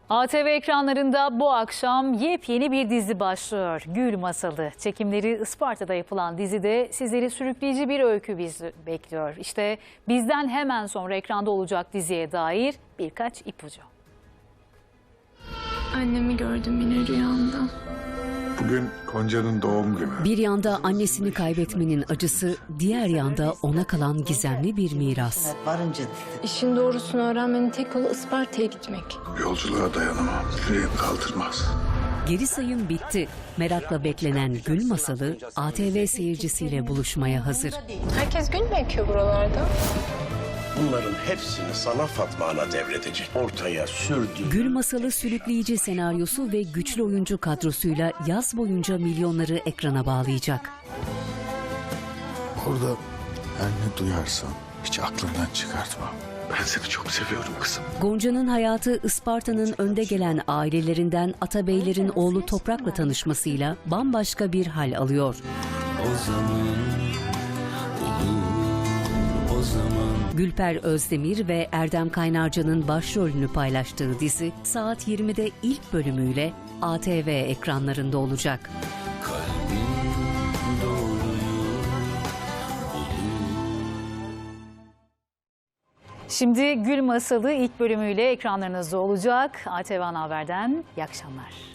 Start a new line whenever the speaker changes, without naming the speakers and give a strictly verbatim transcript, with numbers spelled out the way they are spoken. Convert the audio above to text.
A T V ekranlarında bu akşam yepyeni bir dizi başlıyor. Gül Masalı. Çekimleri Isparta'da yapılan dizide sizleri sürükleyici bir öykü bizi bekliyor. İşte bizden hemen sonra ekranda olacak diziye dair birkaç ipucu.
Annemi gördüm yine rüyamda.
Bugün Gonca'nın doğum günü.
Bir yanda annesini kaybetmenin acısı, diğer yanda ona kalan gizemli bir miras.
İşin doğrusunu öğrenmenin tek yolu Isparta'ya gitmek.
Yolculuğa dayanamam. Yüreğim kaldırmaz.
Geri sayım bitti. Merakla beklenen Gül Masalı A T V seyircisiyle buluşmaya hazır.
Herkes gül mü ekiyor buralarda?
Bunların hepsini sana Fatma Ana devredecek. Ortaya sürdü.
Gül Masalı sürükleyici senaryosu ve güçlü oyuncu kadrosuyla yaz boyunca milyonları ekrana bağlayacak.
Orada her ne duyarsan hiç aklından çıkartma. Ben seni çok seviyorum kızım.
Gonca'nın hayatı Isparta'nın önde gelen ailelerinden Atabeylerin oğlu Toprak'la tanışmasıyla bambaşka bir hal alıyor.
O zaman olur, o zaman.
Gülper Özdemir ve Erdem Kaynarca'nın başrolünü paylaştığı dizi saat yirmide ilk bölümüyle A T V ekranlarında olacak.
Şimdi Gül Masalı ilk bölümüyle ekranlarınızda olacak. A T V Ana Haber'den iyi akşamlar.